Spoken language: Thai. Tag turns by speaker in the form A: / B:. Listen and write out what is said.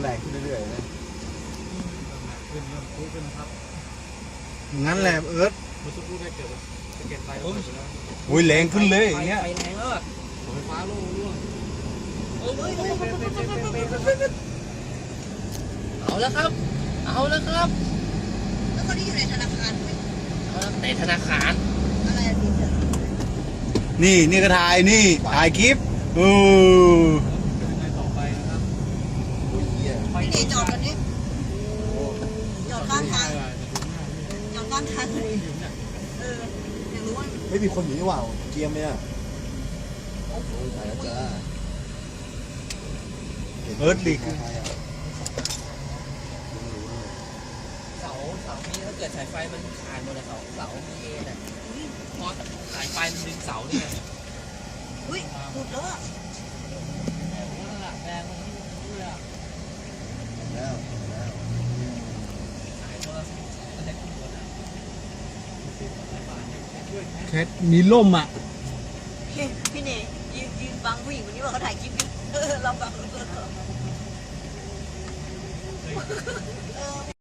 A: แรงขึ้นเรื่อยๆนะ
B: ขึ้นเริ่มพุ่งขึ้นนะครับ
C: งั้นแหละเอิร์ธ
B: เมื่อสักครู่ได้เกิดสะเก็ดไฟลงไปแล้ว
C: อุ้ยแรงขึ้นเลยอย่างเงี้ย
D: ไฟแรงแล้วอะ
B: ไฟฟ้าโล่งร่วง
D: เอาแล้วครับ เอาแล้วครับ
E: แล้วคนที่อยู่ในธนาคารไหม
D: เอาแล้วในธนาคาร
E: อะไรอะพี่เสือ
C: นี่ก็ถ่ายคลิป
B: เ
C: เออ
B: ป็นยังไงต่อไปนะครับ
A: โอ้ยเหี้ย
E: พี่เนยจอดกันนี้จอดข้างทาง
B: จะดูหน้า
E: จอดข้างทางเลย
B: อยู่เนี่ย
E: อยากรู้ว่า
A: ไม่มีคนอยู่นี่หว่าเกียมเนี่ยโอ้ยตายแล้วจ้า
C: เอิร์ธลีก
D: เสานี้ถ้าเกิดสายไฟมันขาดหมดเลยเสามีเอ็นอ่ะพอสายไฟมันดึงเสาเนี่ย
E: อุ้ยหลุดแล้วอะ
D: แรงมันนี่เลยอ่ะ
A: แล้วแล้ว
D: สายโทรศัพท์อะไรขึ้นบนอ่ะ
B: แคทมีล่มอ่ะ
E: พี่เนยยืนบังผู้หญิงคนนี้ว่าเขาถ่ายคลิปอยู่เราบัง